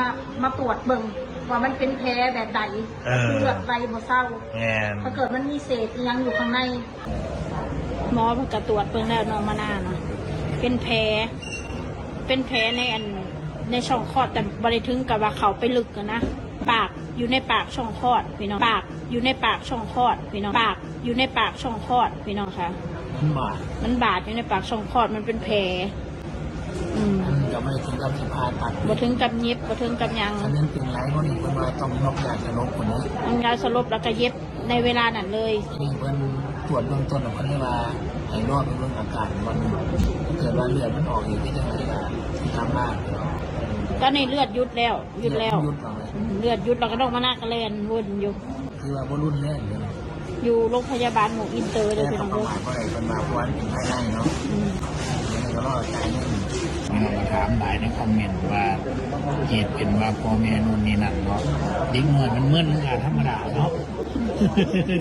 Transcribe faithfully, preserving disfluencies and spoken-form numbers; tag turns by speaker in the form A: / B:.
A: มามาตรวจเบิ่งว่ามันเป็นแผลแบบใดเลือดไหลบ่เศร้าถ้าเกิดมันมีเศษยังอยู่ข้างในหมอจะตรวจเบิ่งแล้วน้องมะนาวนะเป็นแผลเป็นแผลในอันในช่องคลอดแต่บริถึงกับว่าเขาไปลึกกันนะปากอยู่ในปากช่องคลอดพี่น้องปากอยู่ในปากช่องคลอดพี่น้องปากอยู่ในปากช่องคลอดพี่น้องค่ะ
B: มันบาด
A: มันบาดอยู่ในปากช่องคลอดมันเป็นแผลอืม
B: จะไม่ถึงกับสิพาตัด
A: บ่ถึงกับเย็บบ่ถึงกับยัง
B: อันนั้นเป็นไรก็นี่เพิ่นว่าต้องนอกยาสลบคนนี้
A: ต้องยาสลบแล้วก็เย็บในเวลานั้นเลย
B: นี่เพิ่นตรวจเบื้องต้นเพิ่นได้ว่าให้รอดเป็นเรื่องอาการมันเกิดว่าเลือดมันออกอีกที่จะให้ทำบ้าน
A: ก็ในเลือดยุดแล้วยุดแล้วเลือดยุดเราก็ต้องมานั่งกระเลนวนอยู่
B: คือว่าบ่รุนแรงเลย
A: อยู่โรงพยาบาลหมู่อินเตอร์เลยพี่น้องเด้อ
B: เพราะอะไรเป็นมาเพราะว่าเป็นภายในเนาะก็รอดใจนึงมาถามหลายในคอมเมนต์ว่าเหตุเป็นว่าพ่อแม่นู่นนี่นั่นเนาะเด็กน้อยมันมึนธรรมดาเนาะ